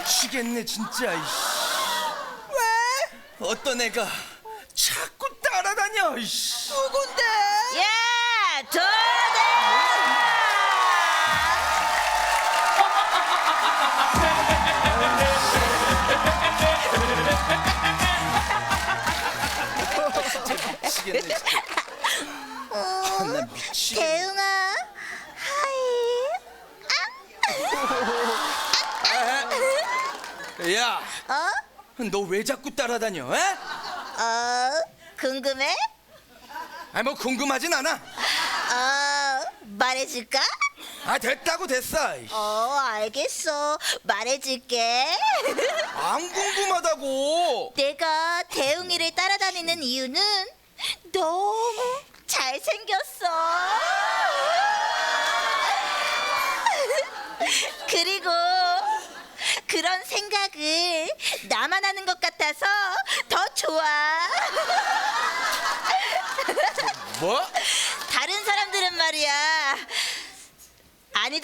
미치겠네 진짜. 이씨. 왜? 어떤 애가 자꾸 따라다녀. 이씨. 누군데? 야, 도대! 미치겠네 진짜. 나 미치겠네. 대웅아, 하이. 야, 어? 너 왜 자꾸 따라다녀? 에? 궁금해? 아니 뭐 궁금하진 않아. 말해줄까? 아 됐다고 됐어. 이씨. 알겠어. 말해줄게. 안 궁금하다고. 내가 대웅이를 따라다니는 이유는 너무 잘생겼어. 그리고 그런 생각을 나만 하는 것 같아서 더 좋아. 뭐? 다른 사람들은 말이야. 아니다.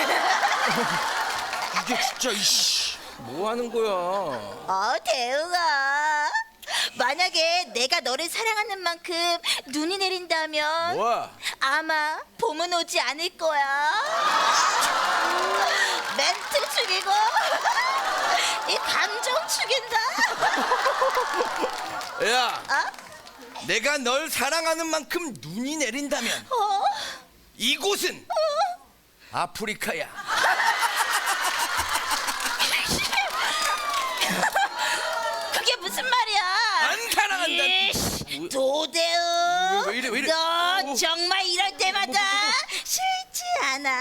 이게 진짜 이씨. 뭐 하는 거야? 대웅아. 만약에 내가 너를 사랑하는 만큼 눈이 내린다면 뭐? 아마 봄은 오지 않을 거야. 멘트 죽이고 이 감정 죽인다. 야, 내가 널 사랑하는 만큼 눈이 내린다면 이곳은 아프리카야. 그게 무슨 말이야? 안 사랑한다. 이씨, 도대웅. 왜 이래, 왜 이래? 너 정말 이럴 때마다 싫지 않아?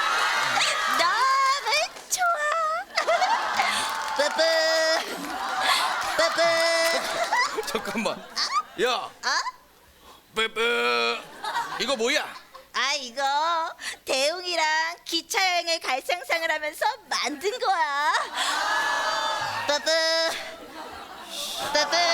너무 좋아. 뿌뿌 뿌뿌. 잠깐만. 야, 뿌뿌. 이거 뭐야? 이거 대웅이랑 기차 여행을 갈 상상을 하면서 만든 거야. 뿌뿌 뿌뿌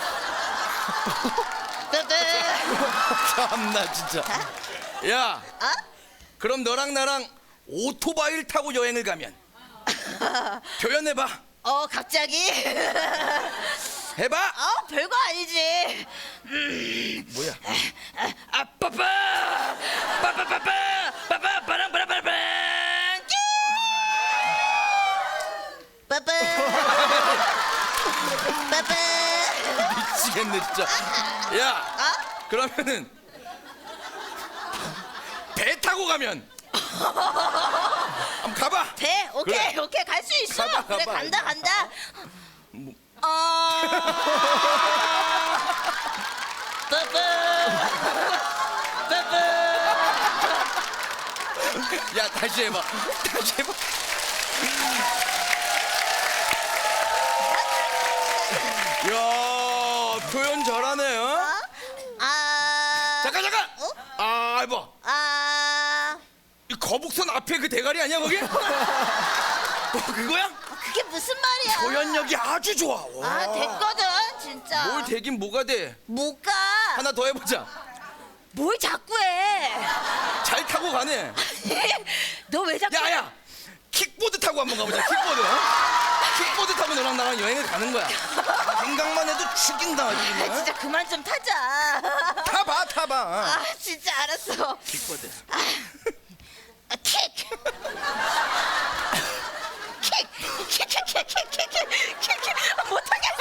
뿌뿌. 참나 진짜. 야, 그럼 너랑 나랑 오토바이를 타고 여행을 가면 표현해봐. 갑자기? 해봐. 별거 아니지. 뭐야? 빠빠 빠빠빠빠 빠빠 빠랑빠랑빠랑 빠빠 빠빠. 미치겠네 진짜. 야, 그러면은 배 타고 가면 한번 가봐. 돼. 오케이. 그래. 오케이. 갈 수 있어. 가봐, 그래, 가봐. 간다. 빠빠 빠빠. 야, 다시 해봐. 다시 해봐. 야, 표현 잘하네. 어? 잠깐. 해봐. 이 거북선 앞에 그 대가리 아니야 거기? 그거야? 그게 무슨 말이야? 표현력이 아주 좋아. 와. 됐거든, 진짜. 뭘 되긴 뭐가 돼? 못 가. 하나 더 해보자. 뭘 자꾸 해? 잘 타고 가네. 너 왜 자꾸? 야야, 킥보드 타고 한번 가보자. 킥보드. 킥보드 타고 너랑 나랑 여행을 가는 거야. 생각만 해도 죽인다. 지금. 진짜 그만 좀 타자. 타봐. 진짜 알았어. 킥보드. 킥. 못하겠어.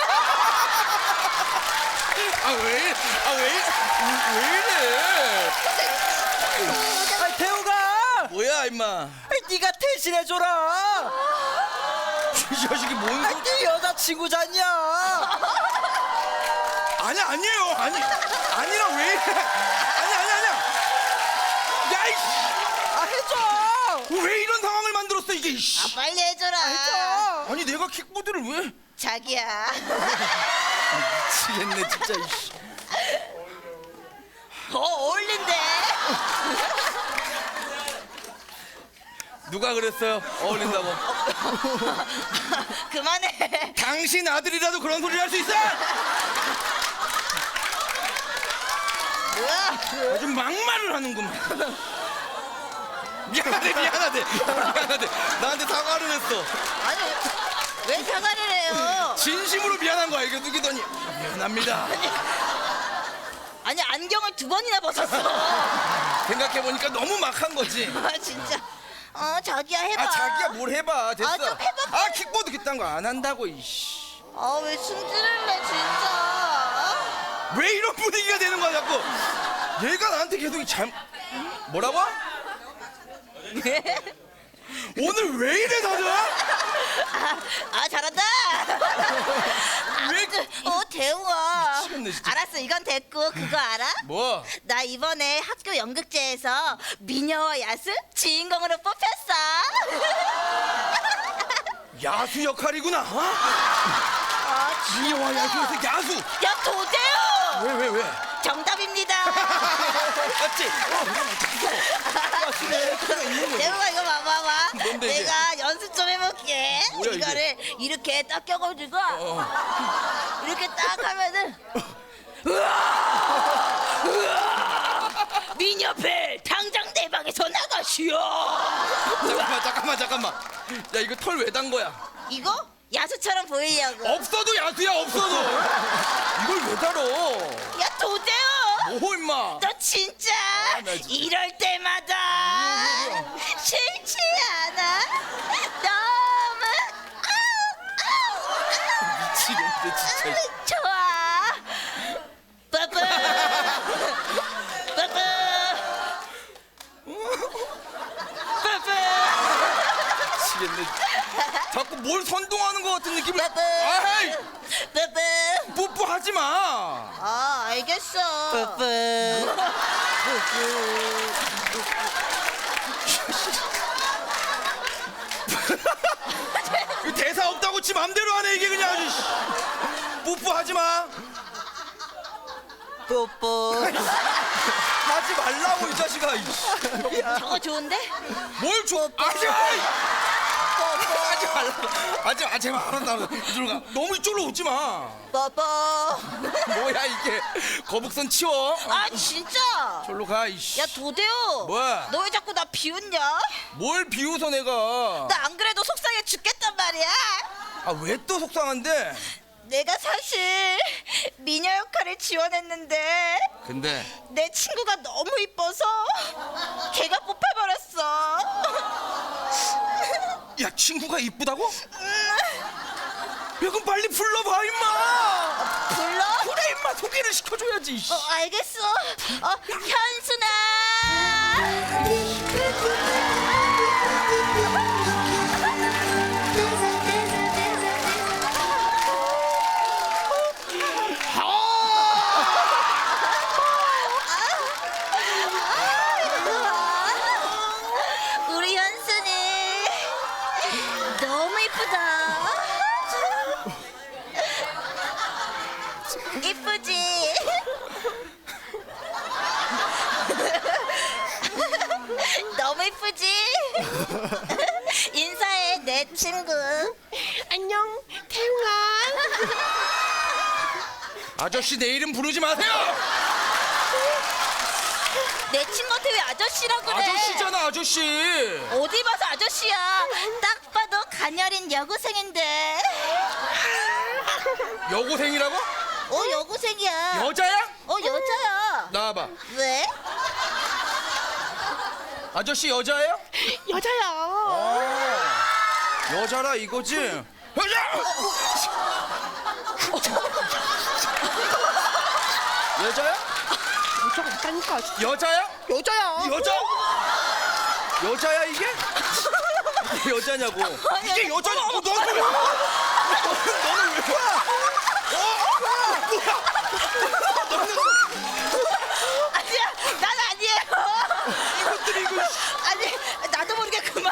왜 이래? 대우가 뭐야 임마? 네가 대신해줘라. 이 자식이 뭔 소리? 네 여자친구잖냐. 아니에요. 아니라 왜 이래? 아니야. 야 이씨. 해줘. 왜 이런 상황을 만들었어 이게? 이씨. 빨리 해줘라. 해줘. 아니 내가 킥보드를 왜? 자기야. 미치겠네 진짜. 이씨. 어울린대. 누가 그랬어요? 어울린다고. 그만해. 당신 아들이라도 그런 소리를 할 수 있어? 뭐야? 아주 막말을 하는구만. 미안하대. 나한테 사과를 했어. 아니 왜 사과를 해요? 진심으로 미안한 거 알려두기더니 미안합니다. 아니 안경을 2번이나 벗었어. 생각해보니까 너무 막한 거지. 아 진짜. 자기야 해봐. 아 자기야 뭘 해봐 됐어. 좀 해봐. 아 킥보드 그딴 거 안 한다고 이씨. 왜 승질을 내 진짜. 왜 이런 분위기가 되는 거야 자꾸. 얘가 나한테 계속 뭐라고? 오늘 왜 이래 다들? 잘한다. 왜? 대우아. 미치겠네, 진짜. 알았어 이건 됐고 그거 알아? 뭐? 나 이번에 학교 연극제에서 미녀와 야수 주인공으로 뽑혔어. 야수 역할이구나. 미녀와 야수에서 야수. 야 도대우. 왜? 정답입니다. 맞지? 대우가 이거 봐봐. 뭔데, 이게? 내가 연습 좀 해볼게. 뭐야, 이게? 이거를 이렇게 딱 껴가지고 이렇게 딱 하면은 미녀벨 당장 내 방에서 나가시오. 잠깐만. 야 이거 털 왜 단 거야? 이거 야수처럼 보이려고. 없어도 야수야 없어도. 이걸 왜 달어? 야 도대우. 뭐 임마? 너 진짜 나 진짜. 이럴 때마다 싫지 않아? 너무 미치겠네 진짜. 좋아. 빠빠 빠빠 빠빠. 미치겠네. 자꾸 뭘 선동하는 것 같은 느낌을. 빠빠 아이 빠빠. 뽀뽀하지 마. 알겠어. 이거 대사 없다고 지 맘대로 하네 이게 그냥 아주. 씨. 뽀뽀하지 마. 뽀뽀. 하지 말라고 이 자식아. 이씨. 저거 좋은데? 뭘 줘? 하지 마. 하지 말라. 하지 마. 제발 알았다. 이리로 가. 너무 이쪽으로 오지 마. 뽀뽀. 뭐야 이게? 거북선 치워. 진짜? 절로 가 이씨. 야 도대우. 뭐야? 너 왜 자꾸 나 비웃냐? 뭘 비웃어 내가? 나 안 그래도 속상해 죽겠단 말이야. 아 왜 또 속상한데? 내가 사실 미녀 역할을 지원했는데 근데 내 친구가 너무 이뻐서 걔가 뽑혀버렸어. 야 친구가 이쁘다고? 야 그럼 빨리 불러봐 임마. 불러? 그래 임마 소개를 시켜줘야지. 이씨. 알겠어. 현순아. 우리 현순이 너무 이쁘다. 이쁘지? 너무 이쁘지? 인사해 내 친구. 안녕 태웅아. 아저씨 내 이름 부르지 마세요. 내 친구한테 왜 아저씨라고 그래? 아저씨잖아 아저씨. 어디 봐서 아저씨야. 딱 봐도 가녀린 여고생인데. 여고생이라고? 여고생이야. 여자야? 여자야. 나와봐. 왜? 아저씨 여자예요? 여자야. 여자라 이거지? 여자! 여자야? 여자가 있다니까. 여자야? 여자야. 여자? 여자야 이게? 이게 여자냐고. 이게 여자냐? 너는 왜? 너는 왜? 아니야, 난 아니에요. 이것들이 이거. 아니, 나도 모르게 그만.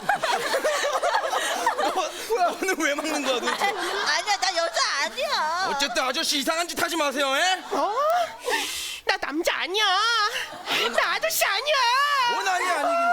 너는 왜 막는 거야 도대체? 아니야, 나 여자 아니야. 어쨌든 아저씨 이상한 짓 하지 마세요, 에? 나 남자 아니야. 나 아저씨 아니야. 뭔 아니야 아니긴.